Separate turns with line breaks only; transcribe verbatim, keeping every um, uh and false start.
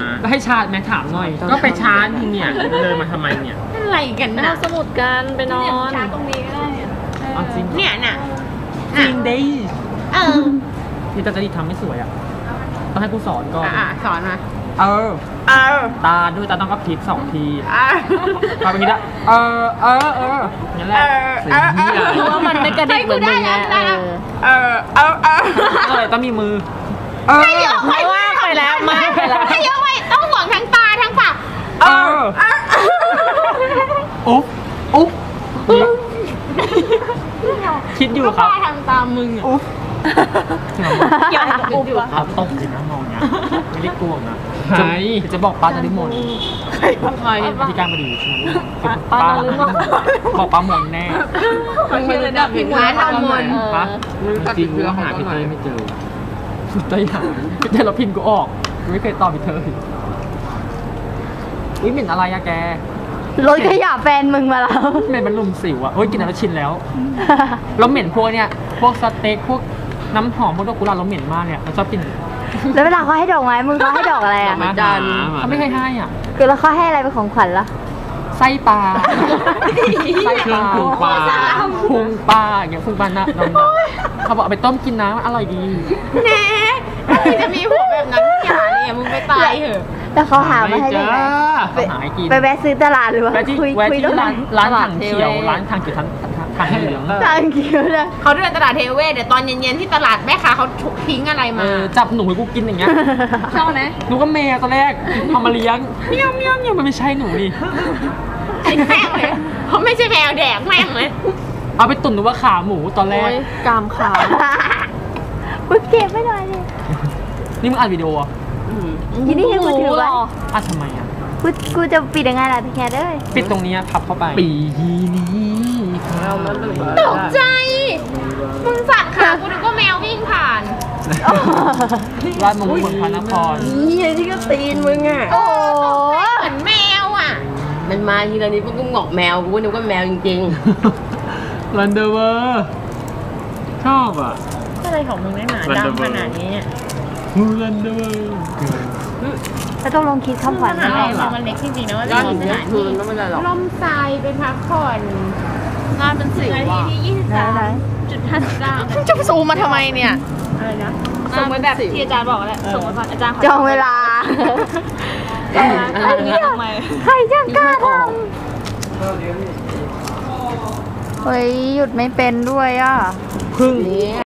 ให้ชาร์จแม่ถามหน่อยก็ไปชาร์จเนี่ยเลยมาทำไมเนี่ย
อะไรกันนะ
เอาสมุดกันไปนอน
ชาร์จตรงนี้ก็ได้
เอาจริง
เนี่ยน่ะ
จริงดิ
เออ
ที่ตาจะดีทำไม่สวยอ่ะต้องให้กูสอนก่อน
อ่ะสอนมา
เออ
เออ
ตาด้วยตาต้องก็พลิกสองที
ท
ำแบบนี้ละเออเออเอออย่างนี้แหละ
เพราะว่ามันไม่กระดิกเหมือนมึงไง
เออเออเออ
อะไรต้องมีมือ
เออไม่
ว่าไปแล้วไม่ไปแล้ว
ให้เยอะไว้ต้องห่วงทั้งตาทั้งปาก
เอออุ๊บอุ๊บคิดอยู่ครับ
ทำตามมึงอ่ะ
อุ๊บ
อยากอุ๊บอ่ะ
ตกเลยนะมองเนี้ยไม่ได้กลัวนะใช่จะบอกป้าจะได้มน
ใครใคร
ที่การมาดีป้าบอกป้ามนแน่
มันมีระดับผิดพลาดตามมน
จริงๆหาพี่เต้ไม่เจอพี่เต้หาพี่เต้เราพิมพ์กูออกไม่เคยตอบพี่เต้อุ้ยเหม็นอะไรอะแก
รถขยะแฟนมึงมาแล้ว
เหม็นมันลุ่มสิวอะโอ้ยกินแล้วชินแล้วเราเหม็นพวกเนี้ยพวกสเต็กพวกน้ำหอมพวกดอกกุหลาบเราเหม็นมากเนี่ยเราชอบกิน
แล้วเวลาเขาให้ดอกไม้มึงเขาให้ดอกอะไรอ่ะ
เขาไม่เคยให้อ่ะ
คือแล้วเขาให้อะไรเป็นของขวัญล่ะ
ไส้ปลาไส้ปลาพุงปลาพุงปลาอย่างเงี้ยพุงปลาหน้าดำเขาบอกเอาไปต้มกินน้ำอร่อยดี
แน่จะมีพวกแบบนั้นอย่าเนี่ยมึงไปตายเถอะ
แล้วเขาหามาให้ได้ไหมไปแวะซื้อตลาดหรือว่า
คุยคุยร้านร้านถังเขียวร้านถังเขียวทันทางเหลือง
ทางเขียวเลย
เขาเดินตลาดเทเวศเดี๋ยวตอนเย็นๆที่ตลาดแม่ค้าเขาทิ้งอะไรมา
จับหนูให้กูกินอย่างเงี้ย
ชอบไหม
หนูก็แมวตอนแรกเอามาเลี้ยงเมี้ยวเมี้ยวเมี้ยวมันไม่ใช่หนูนี่
ไอ้แม่งเลยเขาไม่ใช่แมวแดกแม่งเลย
เอาไปตุ๋นหนูว่าขาหมูตอนแรก
กามขากูเก็บไม่ได้เลย
นี่มึงอัดวิดีโออ่ะ
ทีนี้ให้กูถือไว้
อัดทำไมอ่ะ
กูกูจะปิดยังไงล่ะพี่แคทเอ้ย
ปิดตรงนี้พับเข้าไปปีนี้
ตกใจมึงสั่นขากูนึกว่าแมววิ่งผ่าน
ร้านมงคลพระนคร
นี่ที่ก็ตีนมึงอ่ะ
โอ้เหมือนแมวอ่ะ
มันมาทีละนี้พวกกูหงอกแมวกูนึกว่าแมวจริง
ๆรันเดอร์เวอร์ชอบอ่ะ
อะไรของมึงได้หนาดำขนาดนี้เนี่ย
รันเดอร์เวอร์
แล้วต้องลงคิดคำขวัญ
อะไรหรอมันเล็กจริงๆนะว่าจะมีสถานที่ล่มทรายไปพักผ่อนงานเป็นสิบนาทีที่ยี่สิบสามจุดห้าสิบเก้าจะซูมมาทำไมเนี่ยอะไรนะส่งไปแบบที่อาจารย์บอกแหละส่งมาอาจารย์
จองเวลาใครจะกล้าทำเฮ้ยหยุดไม่เป็นด้วยอ่ะ
พึ่ง